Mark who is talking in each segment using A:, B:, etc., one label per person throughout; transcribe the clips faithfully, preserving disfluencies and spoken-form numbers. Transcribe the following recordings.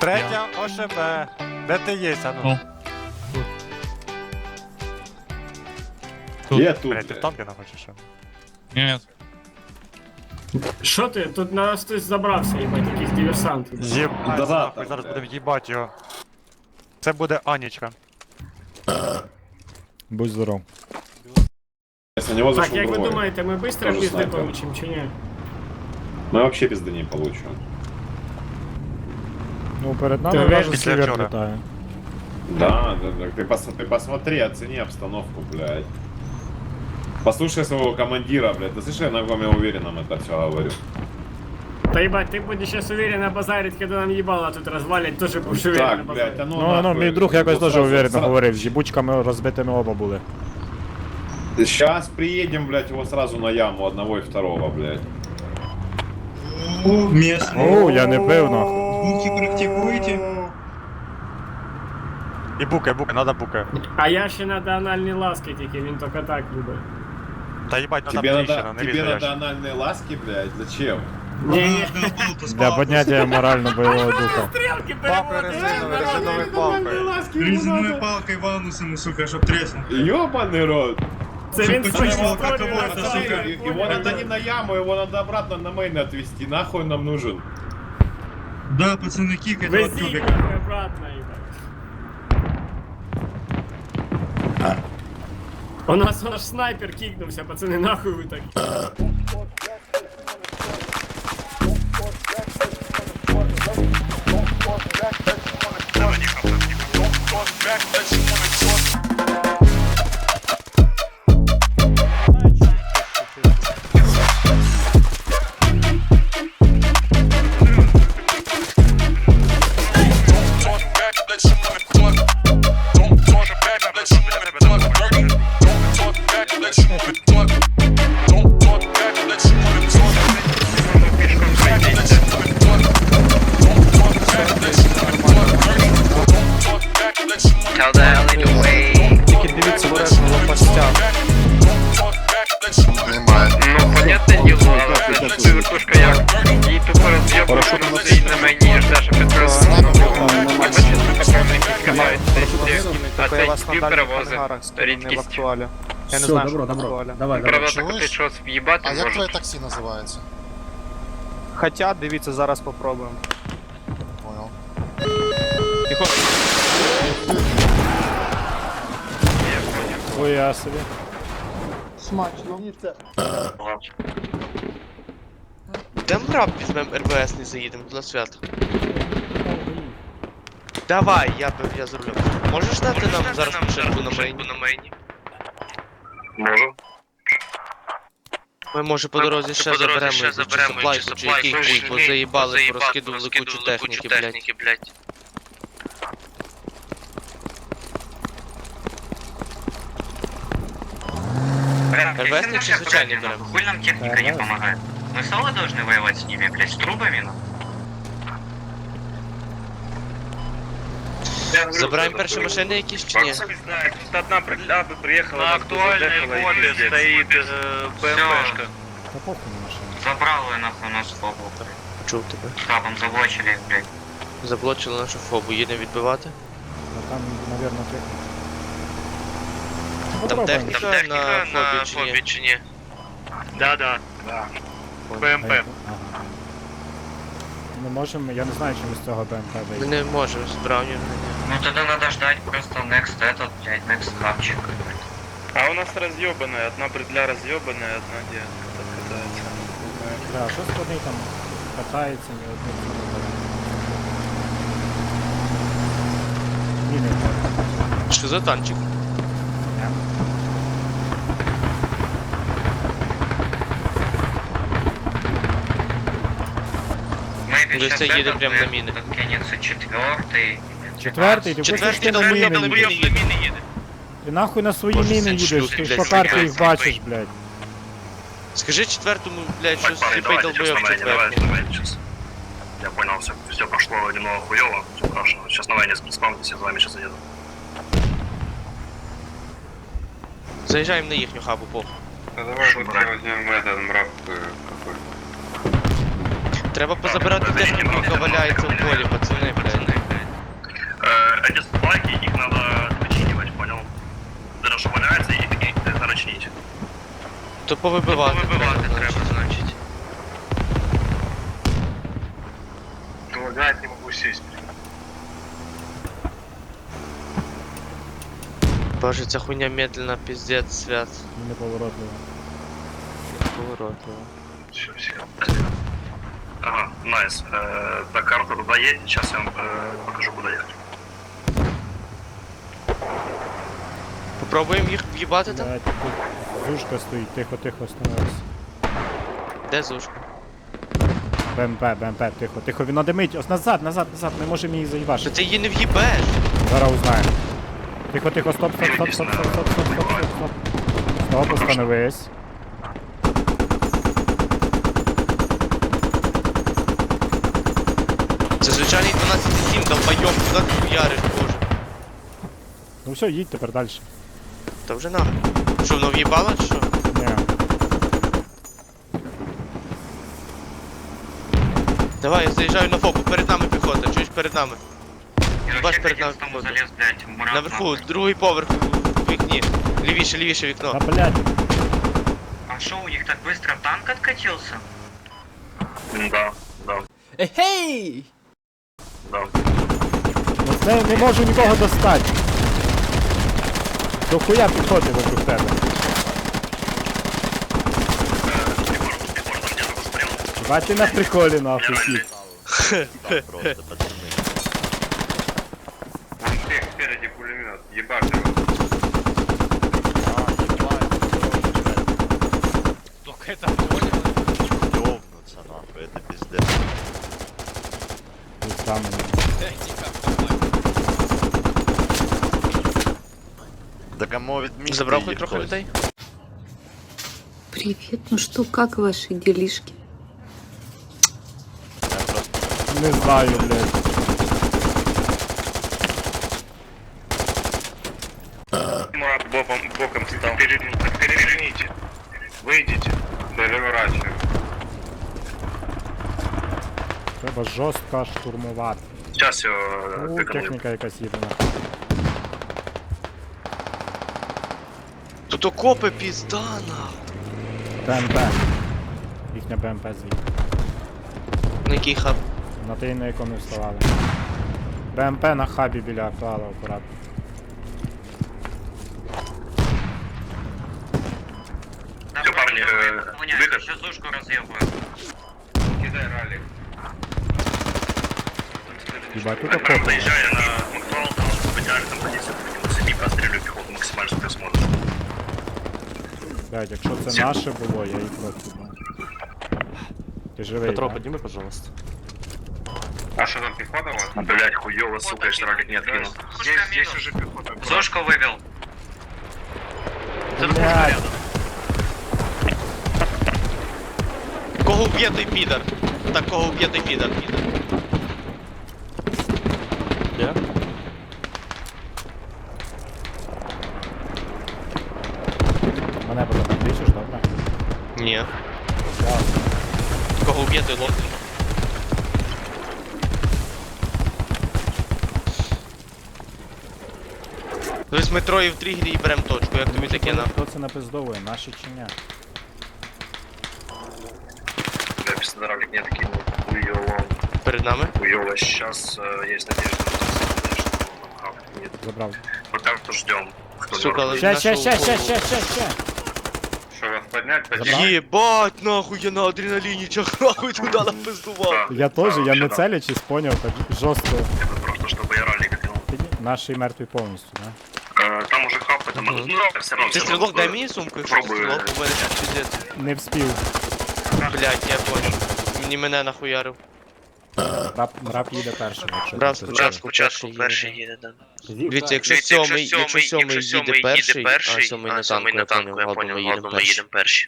A: Третя ОШБ. Де ти є, а ну?
B: Тут.
C: Я тут.
A: Блять, ти в танки нахочеш що?
B: Нет.
D: Що ти? Тут на нас хтось забрався, їбать, якийсь диверсант.
A: Єбать,
C: Да,
A: нахуй,
C: там,
A: зараз
C: блядь.
A: будемо їбать його. Це буде Анічка.
E: Будь здоров.
C: Если на него
D: Так,
C: зашел
D: як ви
C: другой,
D: думаєте, ми швидко
C: Тоже
D: пізди
C: снайпер.
D: получим чи ні?
C: мы вообще пизды не получим.
E: Ну, перед
D: Ти
E: нами
D: уверен?
E: вражий
A: Після
E: сівер
A: вчора.
E: літає.
C: Да, да, да. Ты, пос, ты посмотри, оцени обстановку, блядь. Послушай своего командира, блядь. Ты слышишь, я на ком я уверенном это все говорю.
D: Та їбать, ти будеш зараз уверенно базарить, коли нам їбало тут розвалять, теж будеш уверенно
C: Так, блядь,
D: базарить.
C: а ну
E: Ну, ну,
C: нахуй.
E: мій друг якось
C: Ну,
E: дуже
C: сразу-
E: уверенно
C: сразу-
E: говорив, з їбучками розбитими оба були.
C: Сейчас приедем, блядь, его сразу на яму одного и второго, блядь.
E: О, я не пив, нахуй.
A: І буке, буке, надо буке.
D: А я ще надо анальні ласки тільки, він тільки так любить.
A: Та їбать, надо
C: Тебе
A: тріщина,
C: надо,
A: не
C: тебе
A: візу
C: надо
A: ящик.
C: анальные ласки, блядь? Зачем?
D: Ні-ні.
E: Для підняття морально-бойового духа.
D: Стрілки
A: Палкою резиновою, резиновою палкою.
F: Резиновой палкой ванусом, сука, чтоб треснул.
C: Ёбаный рот.
D: Це він
F: Почему?
D: свою
F: Как
D: історію
F: его это,
D: розповідає.
F: сука?
C: Его надо не на яму, его надо обратно на мейн отвезти. Нахуй он нам нужен?
F: Да, пацаны, кик этого
D: Везіть
F: тюбика.
D: нахуй обратно, їбать. У нас наш снайпер кикнувся, пацани, нахуй ви так.
A: Тільки дивіться обережно лопастя.
G: Ну, понятне діло, але це вертушка як. Їй тупо роз'єбуєш, вона стоїть на мені, ждеш, а підписуєш. Я бачу, патрони якісь кидають, а цей спів перевозить. Рідкість.
A: Я не
H: Все,
A: знаю,
H: добро,
A: що
H: добро.
A: актуально.
H: Давай, давай.
G: Правда, так
I: Чуєш?
G: ти щось в'їбати
I: А як твоє
G: можеш.
I: таксі називається?
A: Хоча, дивіться, зараз попробуємо.
I: Понял.
E: Хуя собі.
J: Дем раб візьмем РВС, не заїдемо на свято. Давай, я, б- я зроблю. Можеш дати нам зараз машинку на мейні?
G: Можу.
J: Ми може по дорозі ще заберемо чи саплайку, чи який хуй, бо заїбали, порозкидували кучу техніки, блядь. РВСник чи звичайний беремо?
G: Хуй нам техника не помогает. Мы соло должны воевать с ними, блядь, с трубами, ну?
J: Забираємо перші машини якісь чи ні?
G: Не знаю, тут одна бригада приехала, на актуальной воле стоит БМПшка.
E: Та похуй на машину.
G: Забрала нахуй нашу фобу.
J: Почув тебе.
G: Капом заблочили, блядь.
J: Заблочили нашу фобу, їдемо відбивати.
E: Ну там, навірно, техніка.
J: Там
E: Попробуємо.
J: техніка на фобі чи ні?
G: Да, да. БМП.
E: Ага. Ми можемо, я не знаю, чи ми з цього БМП
J: Ми
E: вийдемо.
J: не можемо з браунів.
G: Ну тогда надо ждать просто next этот, блядь, next хапчик. А у нас разъебанная, одна бредля разъебанная, одна девка катается.
E: Да, що складний там катається, ні одним не вибирає. Ні, не вибирає.
J: Що за танчик?
G: Мы
J: Десь це їде прямо на міни.
G: Кинется четвертый.
E: Четвертий, ти хочеш
J: Четвертий
E: ти на міни
J: долбойоб на
E: їдеш?
J: міни їде.
E: Ти нахуй на свої
J: Може,
E: міни
J: це
E: їдеш,
J: шлюхи,
E: ти ж
J: блядь,
E: по карті їх
J: снайпер.
E: бачиш, блядь.
J: Скажи четвертому, блядь, що сліпий долбойоб четвертий.
G: Я понял, все, все прошло немного хуево, все хорошо. Сейчас на войне спавнитесь, я за вами сейчас заеду.
J: Заїжджаємо на їхню хабу, похуй.
G: Да давай вот возьмем этот мрак какой.
J: Треба позабирати техніку, яка валяється в полі, пацани, блядь. То повибивати треба, значить.
G: Лагает, не могу сесть.
J: Боже, ця хуйня медленно, пиздец, свят.
E: Неповоротливо.
J: Поворотливо.
G: Все, все. Ага, найс. Э, до карты туда едет, сейчас я вам э, покажу, куда ехать.
J: Попробуємо їх в'їбати там?
E: Блядь, тут зушка стоїть, тихо, тихо, становись.
J: Де зушка?
E: БМП, БМП, тихо, тихо, він надимить. Ось назад, назад, назад, ми можемо її
J: Що
E: заїбашити.
J: ти її не в'їбеш?
E: Зараз узнаємо. Тихо, тихо, стоп, стоп, стоп, стоп, стоп, стоп, стоп, стоп, стоп, стоп. Стоп, остановись.
J: Це звичайний дванадцять сім, долбойом, куди ти хуяриш, боже.
E: Ну все, їдь тепер далі.
J: Та вже нахуй. Що, воно в'їбало чи що?
E: Ні.
J: Давай, я заїжджаю на фоку, перед нами піхота, чуєш перед нами. Бач перед нами піхота. Наверху, другий поверх в вікні. Лівіше, лівіше вікно.
E: Та блядь,
G: А что, у них так быстро танк откатился? Да, да.
J: Ехей!
G: Да.
E: ну це не можу нікого достати. До хуя піхоти вокруг тебе. Бать ти на приколі нахуй кіт.
G: Вон всех спереди пулемет, ебать его.
E: Пизда мені.
J: Забрав хоч трохи людей?
H: Привет, ну что, как ваши делишки?
E: Не знаю, блядь.
G: Мурат боком, боком стал. Переверните. Выйдите. Переворачиваем.
E: Треба жорстко штурмувати.
G: Сейчас его
E: У,
G: тыкану.
E: техніка якась їбана.
J: Тут окопи пізда нахуй.
E: БМП. Їхня БМП звідти.
J: На який хаб?
E: На той, на якому вставали. БМП на хабі біля актуала акуратно.
G: Все, парни, э, выход. Сейчас зушку разъебаю. Кидай ралли.
E: Їбать, тут
G: Прям
E: окопи.
G: доезжая на Макдуал, там специально там позиция, сами простреливаю пехоту максимально, что ты сможешь.
E: Блядь, якщо це наше було, я їх роз'їбав. Ти живий,
A: Петро,
E: да?
A: підніми, пожалуйста.
G: А что там пехота у вас? Блять, хуёво, сука, я ж ралик не откинул. Здесь, здесь уже пехота. Зошку вывел.
E: Блядь,
J: Кого вб'є той підар? Так, кого вб'є той підар?
A: Є?
E: мене потім відлічиш, добре?
J: Ні. Кого вб'є той лох? Тобто ми троє в тригері і берем точку, як тобі таке на?
E: Хто це напиздовує, наші чи ні?
G: Я без ралик не откинул. Хуёво.
J: Перед нами?
G: Хуёво. Сейчас э, есть надежда, что нам нет.
E: Забрав.
G: Пока что ждем. Кто
J: Сука, але
E: Ще, ще,
J: нашого
E: ще, ще,
J: голову.
E: ще, ще, ще.
G: Что вас поднять?
E: Забрал?
J: Єбать, нахуй, я на адреналіні чах, нахуй туди напиздував.
E: Я теж, я не целячись, поняв, так жорстко.
G: Это просто, чтобы я ралли катил.
E: Наший мертвий повністю, да?
G: Э, Там уже хап, это
J: Мгм.
G: ну, все равно.
J: Ти
G: всё
J: стрілок,
G: равно,
J: дай
G: э,
J: мені сумку, якщо ти
G: Пробую.
J: стрілок, у мене тут пиздець.
E: Не вспів.
J: Блять, я понял. Мені мене нахуярив.
E: Рап, рап їде першим, якщо
J: Брав
E: ти
J: спочатку
E: хочеш.
J: перший їде. Дивіться, якщо сьомий, якщо сьомий їде перший, а сьомий на танку, я понял, ладно, ми їдемо перші.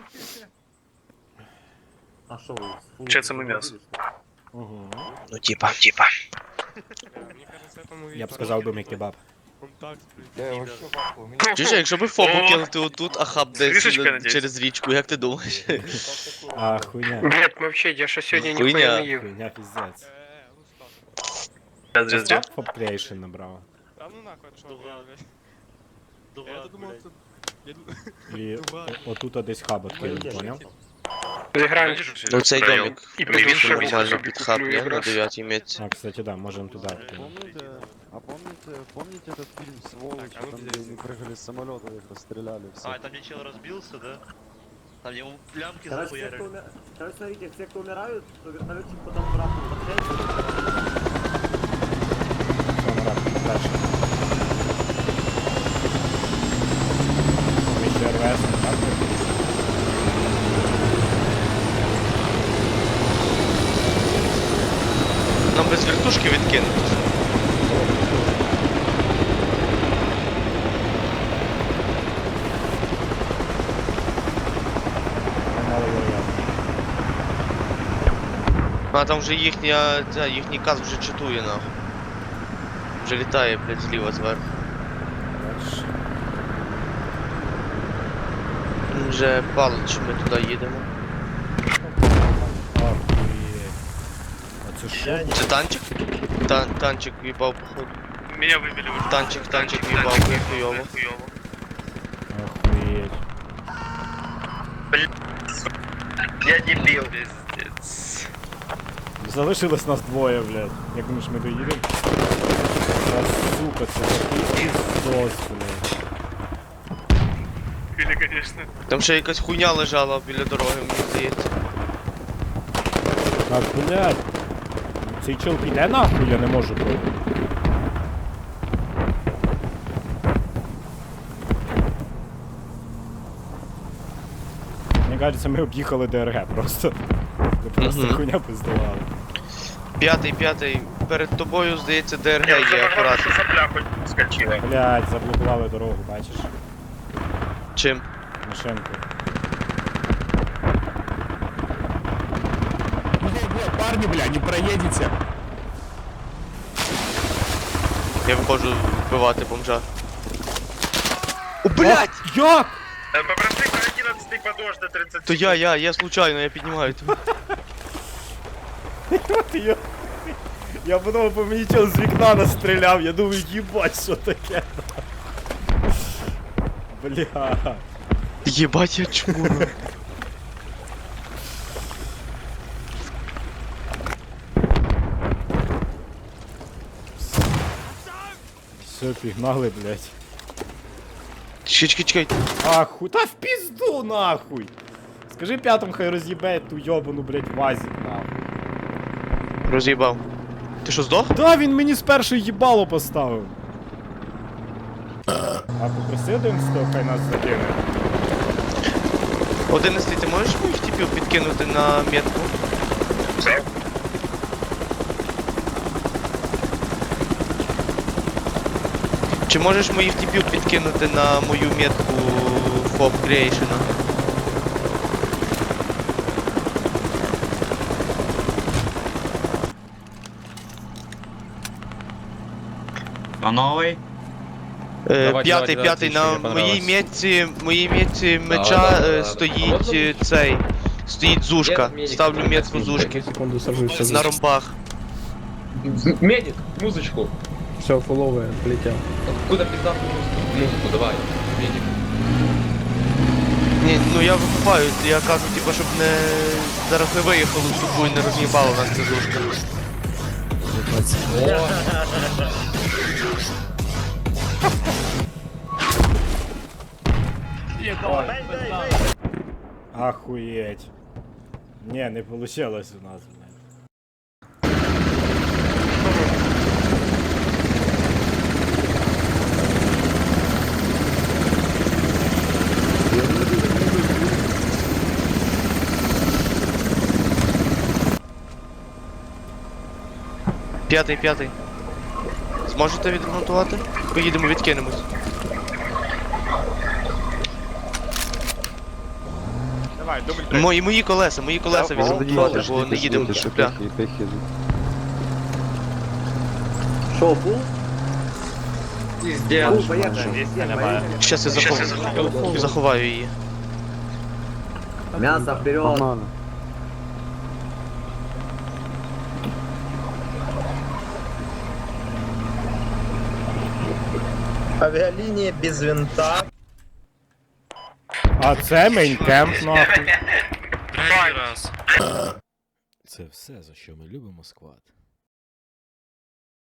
G: Че це ми м'ясо?
J: Ну типа, типа.
E: Я б сказав би мій кебаб.
J: Чуєш, якщо би фобу кинути отут, а хаб десь
G: Рішечка,
J: на-
G: надіюсь.
J: через річку, як ти думаєш?
E: А, хуйня.
G: Нет, вообще, я що сьогодні
J: Хуйня.
G: їв.
E: Хуйня піздець.
G: Зря, зря.
E: Фоб Creation набрав.
A: Та ну нахуй, що ви, блядь. Я думав, це...
E: І о- отут десь хабот кинуть, поняв?
G: Зіграємо.
J: Ну цей домик.
G: І
J: Більше
G: плюс
J: нормально під хаб, ні? На дев'ятій метці.
E: А, кстати, да, можемо туди кинути.
I: Помните, а помните, помните этот фильм «Сволочи», там, где они прыгали с самолета, их расстреляли все?
B: А, там где чел разбился, да? Там ему лямки
D: Короче, все,
B: захуярили.
D: кто умер... Короче, смотрите, все, кто умирают, то вертолетчик потом обратно возвращается.
E: Все, Марат, дальше. Ми ще РВС, так?
J: Нам без вертушки відкинути.
E: Мало йо-йо.
J: А там вже їхня, ця, їхній каз вже читує нахуй. Вже літає, блядь, зліва зверху.
E: Дальше.
J: Він вже палить, що ми туди їдемо.
E: Охуєть. А це що?
J: Це танчик? Тан танчик в'їбав, походу.
G: Меня выбили уже.
J: Танчик, танчик в'їбав, хуйово.
E: Охуєть.
G: Я дебил.
E: Залишилось нас двоє, блядь. Як думаєш, ми доїдемо? Та сука, це такий піздос, блядь.
G: Или, конечно.
J: Там ще якась хуйня лежала біля дороги, мені здається.
E: Так, блядь. Цей чел піде нахуй, я не можу пройти. Мені кажеться, ми об'їхали ДРГ просто. Ми просто
J: Мгм.
E: хуйня пиздували.
J: П'ятий, п'ятий, перед тобою, здається, ДРГ є акуратно.
G: сопля хоть скочила.
E: Блядь, заблокували дорогу, бачиш?
J: Чим?
E: Машинку. Парни, бля, не проедете.
J: Я виходжу вбивати бомжа. О, блядь!
E: Як?
G: Попроси про одиннадцатый подожди до тридцать.
J: То я, я, я случайно, я піднімаю тебе.
E: Я, я подумав, по мені чел з вікна настріляв, я думаю, їбать, що таке. Бля.
J: Єбать, я чмуру.
E: Все, пігнали, блядь.
J: Чекай, чекай, чекай.
E: Ахуй, та в пізду нахуй. Скажи п'ятому, хай роз'їбе ту йобану, блядь, вазик, нахуй.
J: Роз'їбав. Ти що, здох?
E: Да, він мені з першої їбало поставив. А попроси одинадцятого, хай нас закине.
J: Одинадцятий, ти можеш моїх типів підкинути на метку? Чи можеш моїх типів підкинути на мою метку Фоб Creation?
F: А новый?
J: Е, п'ятий, п'ятий, на моїй метці, моїй метці меча е, стоїть е, цей, стоїть зушка. Ставлю метку зушки. На ромбах.
I: Медик, музычку.
A: Все, фулове, полетів.
I: Куда пиздатую музыку, давай, медик.
J: Ні, ну я викупаю, я кажу, типа, щоб не зараз не виїхало в тупу і не роз'їбало нас ця зушка.
E: Ахуєть. Не, не получилось у нас, блядь.
J: П'ятий, п'ятий. Зможете відремонтувати? Поїдемо, відкинемось.
A: Давай, дубль три.
J: Мої, мої колеса, мої колеса відремонтувати, бо не їдемо до шупля. Щас я заховаю, заховаю її.
D: Мясо вперед!
G: Авиалиния без винта.
E: А це мейнкемп, нахуй.
B: Третій раз.
E: Це все, за що ми любимо сквад.